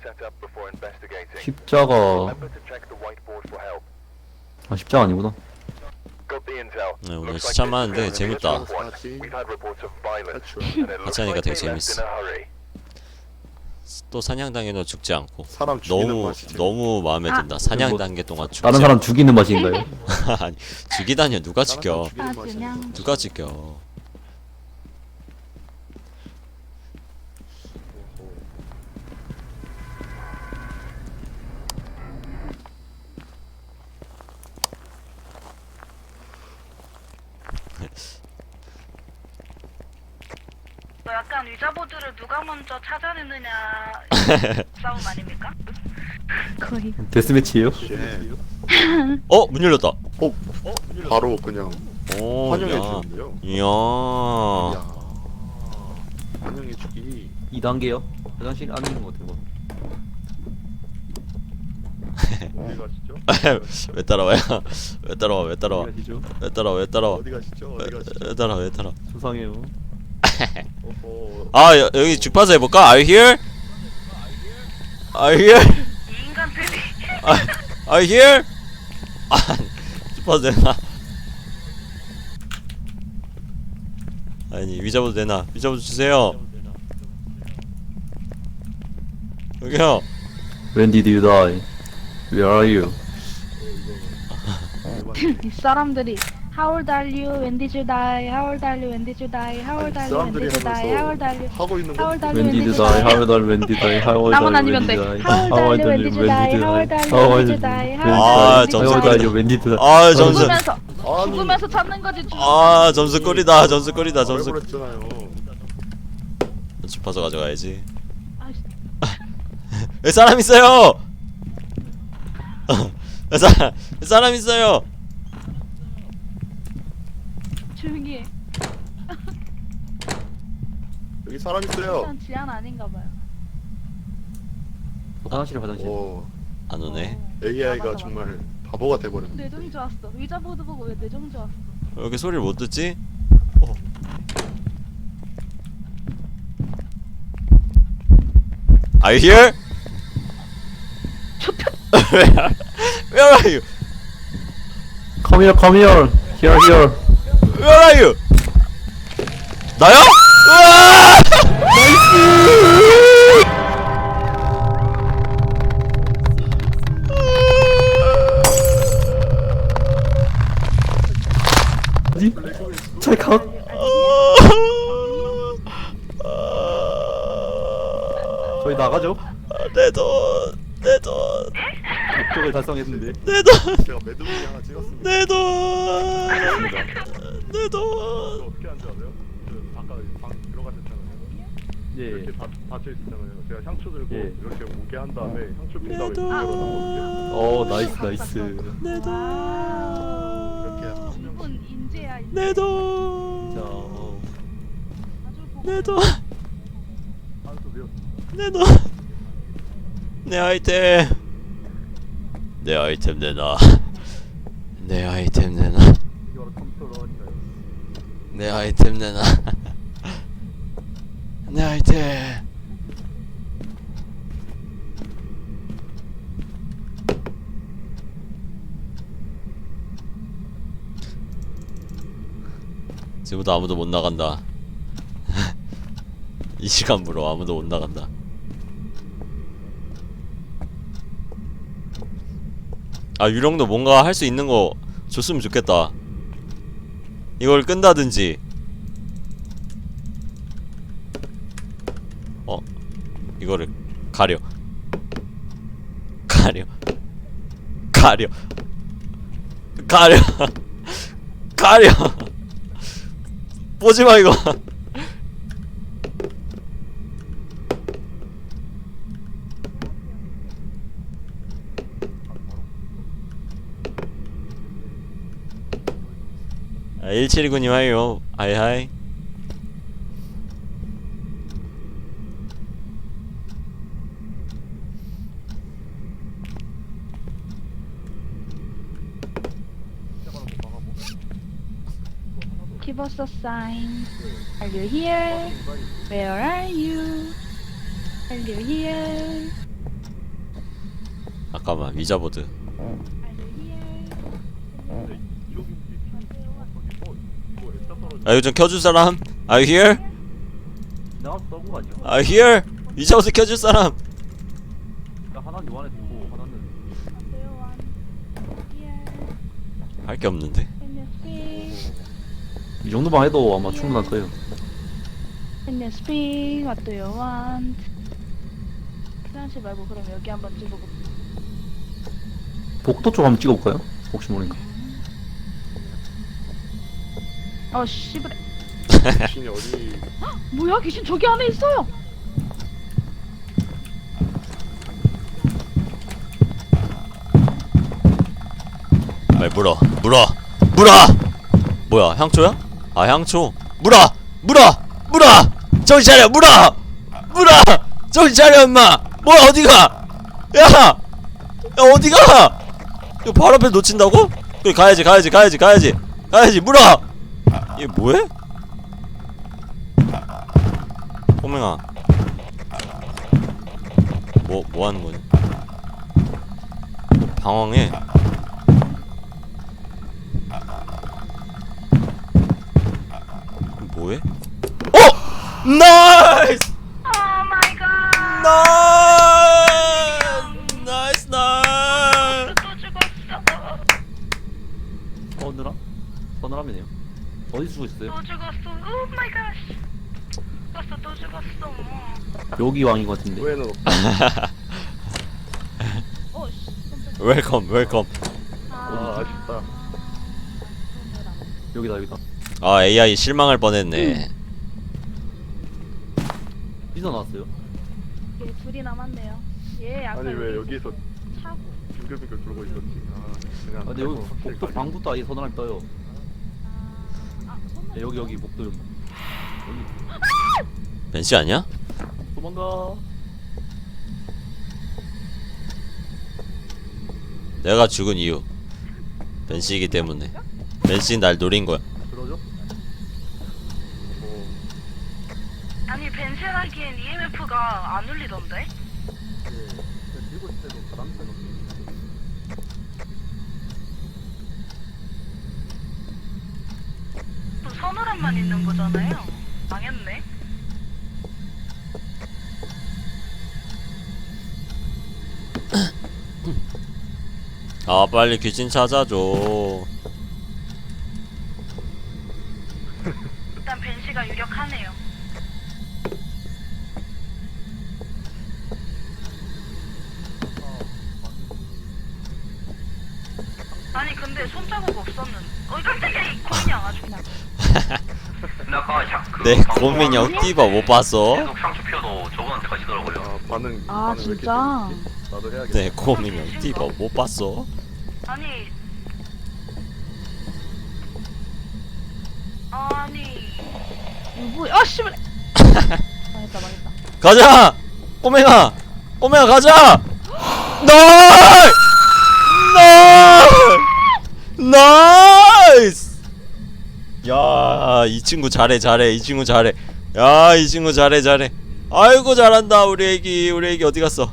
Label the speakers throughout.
Speaker 1: 십자가. 아, 십자가 아니구나.
Speaker 2: 네, 오늘 진짜 많은데 재밌다.
Speaker 3: 같이
Speaker 2: 같이 하니까 되게 재밌어. 또 사냥당해도 죽지 않고
Speaker 3: 사람 죽이는
Speaker 2: 너무
Speaker 3: 맛이 재밌-
Speaker 2: 너무 마음에 든다. 사냥단계 동안 죽지
Speaker 1: 다른 사람 죽이는 맛인가요?
Speaker 2: 않고. 아니 죽이다니요. 누가
Speaker 3: 다른
Speaker 2: 죽여?
Speaker 3: 사람 죽이는
Speaker 4: 아,
Speaker 3: 맛이
Speaker 4: 그냥.
Speaker 2: 누가 죽여?
Speaker 4: 약간 위자보드를 누가 먼저 찾아내느냐 싸움 아닙니까? 거의.
Speaker 1: 데스매치예요?
Speaker 3: 예.
Speaker 2: 어? 문 열렸다.
Speaker 3: 바로 그냥
Speaker 2: 오,
Speaker 3: 환영해
Speaker 2: 야.
Speaker 3: 주는데요.
Speaker 2: 이야.
Speaker 3: 이야. 환영해 주기.
Speaker 1: 2단계요? 화장실 안에 있는 것 같아요.
Speaker 3: 어디 가시죠?
Speaker 2: 왜 따라와요? 왜 따라와? 왜 따라와?
Speaker 1: 어디 가시죠?
Speaker 2: 왜 따라와? 왜 따라와?
Speaker 3: 어디 가시죠? 어디 가시죠?
Speaker 2: 왜 따라와? 왜 따라와?
Speaker 1: 수상해요.
Speaker 3: 어허.
Speaker 2: 아 여기 주파수 해볼까? Are you here? Are you here?
Speaker 4: 이 인간들이
Speaker 2: Are you here? 아 주파수 되나? 아니 위자보드 되나? 위자보드 주세요. 여기요.
Speaker 1: When did you die? Where are you?
Speaker 4: 이 사람들이 How old are you? When did you die? How old are you? When did you die? How old are you? When
Speaker 3: 사람들이
Speaker 4: did you die? How old are you?
Speaker 3: 하면서 하고 있는
Speaker 4: How
Speaker 3: 거
Speaker 4: old are you?
Speaker 1: When did you die? How old are you? When did you die? How old are
Speaker 4: 나만
Speaker 1: you?
Speaker 4: 아니면
Speaker 1: When did
Speaker 4: 돼.
Speaker 1: you die?
Speaker 4: How old are you? When did you die? How old are you?
Speaker 1: How
Speaker 4: When
Speaker 1: old
Speaker 4: did you die?
Speaker 1: are
Speaker 4: How
Speaker 1: you?
Speaker 2: 아,
Speaker 4: old
Speaker 2: 점수
Speaker 1: How old are you? When did you die?
Speaker 2: 아 점수.
Speaker 4: 죽으면서
Speaker 3: 아니.
Speaker 4: 죽으면서 찾는 거지.
Speaker 2: 아 점수 꼴이다. 점수 꼴이다. 점수.
Speaker 3: 말해버렸잖아요.
Speaker 2: 주파수 가져가야지.
Speaker 4: 아이씨.
Speaker 2: 왜 사람 있어요? 왜 사람 있어요?
Speaker 4: 조용히 해.
Speaker 3: 여기 사람 있어요.
Speaker 4: 일단 지안 아닌가 봐요.
Speaker 1: 화장실 화장실.
Speaker 3: 오,
Speaker 2: 안 오네.
Speaker 3: AI가
Speaker 4: 맞아,
Speaker 3: 정말 바보가 돼버렸네.
Speaker 4: 뇌정이 좋았어. 위자보드 보고 왜 뇌정 좋았어?
Speaker 2: 왜 이렇게 소리를 못 듣지? 어. Are you here? Where are you?
Speaker 1: Come here, come here. Here, here.
Speaker 2: Where are you? 나야? 으아!
Speaker 1: 어디? 찰칵. 저희 나가죠.
Speaker 2: 내 돈, 내 돈,
Speaker 1: 목적을 달성했는데.
Speaker 2: 내 돈,
Speaker 3: 제가 매듭이 하나 찍었습니다.
Speaker 2: 내 돈, 내 돈.
Speaker 3: 이거 어떻게 하는지 아세요? 그 아까 방 들어가셨잖아요. 이렇게
Speaker 1: 예.
Speaker 3: 닫혀 있었잖아요. 제가 향초 들고
Speaker 1: 예.
Speaker 3: 이렇게 오게 한 다음에 향초 핀 다음에
Speaker 2: 내 돈.
Speaker 3: 열어놨거든요.
Speaker 1: 어, 나이스, 나이스.
Speaker 2: 내 돈,
Speaker 3: 이렇게 한 명.
Speaker 4: 이분 인재야 인재.
Speaker 2: 내
Speaker 1: 자,
Speaker 2: 돈,
Speaker 4: 아주 보고
Speaker 2: 내 돈,
Speaker 3: 한수 배웠.
Speaker 2: 내 돈, 내 아이템, 내 아이템 내놔, 내 아이템 내놔,
Speaker 3: 이게 바로 컴퓨터로 하니까요.
Speaker 2: 내 아이템 내놔, 내 아이템. 지금부터 아무도 못 나간다. 이 시간부로 아무도 못 나간다. 아 유령도 뭔가 할 수 있는 거 줬으면 좋겠다. 이걸 끈다든지. 이거를 가려. 가려. 가려. 가려. 가려. 보지마 이거. 아, 179님 하이요. 하이하이.
Speaker 4: Give us a sign. Are you here? Where are you? Are you here?
Speaker 2: 잠깐만 위자보드.
Speaker 3: 근데 이쪽인지 이거 액자 떨어져.
Speaker 2: 아 이거 좀 켜줄 사람? Are you here?
Speaker 1: 내가 써고 가죠.
Speaker 2: Are you here? 위자보드 켜줄 사람?
Speaker 1: 하나는 요 안에 두고 하나는
Speaker 2: 할 게 없는데.
Speaker 1: 이 정도만 해도 아마 충분할 거예요.
Speaker 4: Can you speak? What do you want? 피난시 말고 그럼 여기 한번 찍어볼게.
Speaker 1: 복도 쪽 한번 찍어볼까요? 혹시 모르니까.
Speaker 4: 씨부레.
Speaker 3: 귀신이 어디?
Speaker 4: 뭐야 귀신 저기 안에 있어요.
Speaker 2: 빨리 물어. 뭐야 향초야? 아 향초. 물어. 정신 차려. 물어. 정신 차려 임마. 뭐야 어디가? 야 어디가? 이거 바로 앞에 놓친다고? 그래 가야지. 물어. 얘 뭐해? 꼬맹아. 뭐 하는 거냐? 방황해. 뭐해? 나이스!
Speaker 4: Oh my god.
Speaker 2: 나이스!
Speaker 4: 또 죽었어.
Speaker 1: 서늘함? 서늘함이네요. 어디 쓰고 있어요?
Speaker 4: 또 죽었어. Oh my gosh. 또 죽었어.
Speaker 1: 여기 왕인 것 같은데.
Speaker 3: 왜는 없?
Speaker 2: 웰컴.
Speaker 3: 아 아쉽다.
Speaker 1: 여기다.
Speaker 2: 아 AI 실망할 뻔했네.
Speaker 1: 삐져 나왔어요.
Speaker 4: 얘 둘이 남았네요. 얘 아까
Speaker 3: 아니 왜 여기서
Speaker 4: 차고.
Speaker 3: 빙글빙글 돌고 있었지? 아 그냥.
Speaker 1: 아, 근데 여기 복도 방부터 아예 서늘함 떠요. 네, 여기 복도 여기.
Speaker 2: 벤시 아니야?
Speaker 1: 도망가.
Speaker 2: 내가 죽은 이유 벤시이기 때문에. 벤시 날 노린 거야.
Speaker 1: 그러죠?
Speaker 4: 아니 벤시하기엔 EMF가 안 울리던데?
Speaker 1: 네. 들고 있을 때도 바람새 넣고.
Speaker 4: 또 서늘함만 있는 거잖아요. 망했네.
Speaker 2: 아 빨리 귀신 찾아줘.
Speaker 4: 일단 벤시가 유력하네요. 아니 근데 손자국 없었는. 깜짝이야 이 고민이야 아주 그냥.
Speaker 2: 내 고민형 띠바 못 봤어?
Speaker 5: 계속 상추 피워도 저분한테 가시더라고요.
Speaker 3: 아 반응.
Speaker 4: 아
Speaker 3: 반응 왜 이렇게
Speaker 4: 진짜?
Speaker 3: 재밌지? 나도 해야겠다.
Speaker 2: 내 고민형 띠바 못 봤어?
Speaker 4: 아니 이거 씨발. 망했다.
Speaker 2: 가자! 꼬맹아 가자! 나이스! 야, 이 친구 잘해. 야, 이 친구 잘해. 아이고 잘한다. 우리 애기 어디 갔어?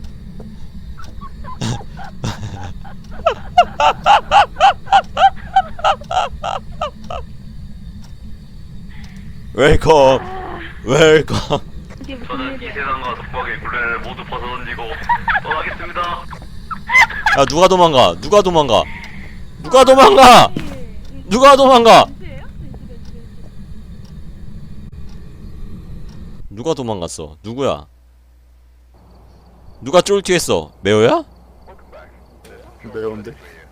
Speaker 2: 웰컴.
Speaker 4: 이게 무슨
Speaker 5: 저는 이
Speaker 4: 일이야?
Speaker 5: 세상과 독박의 굴레를 모두 벗어던지고 떠나겠습니다.
Speaker 2: 야, 누가 도망가? 누가 도망갔어? 누구야? 누가 쫄티했어? 메오야?
Speaker 3: 매운데.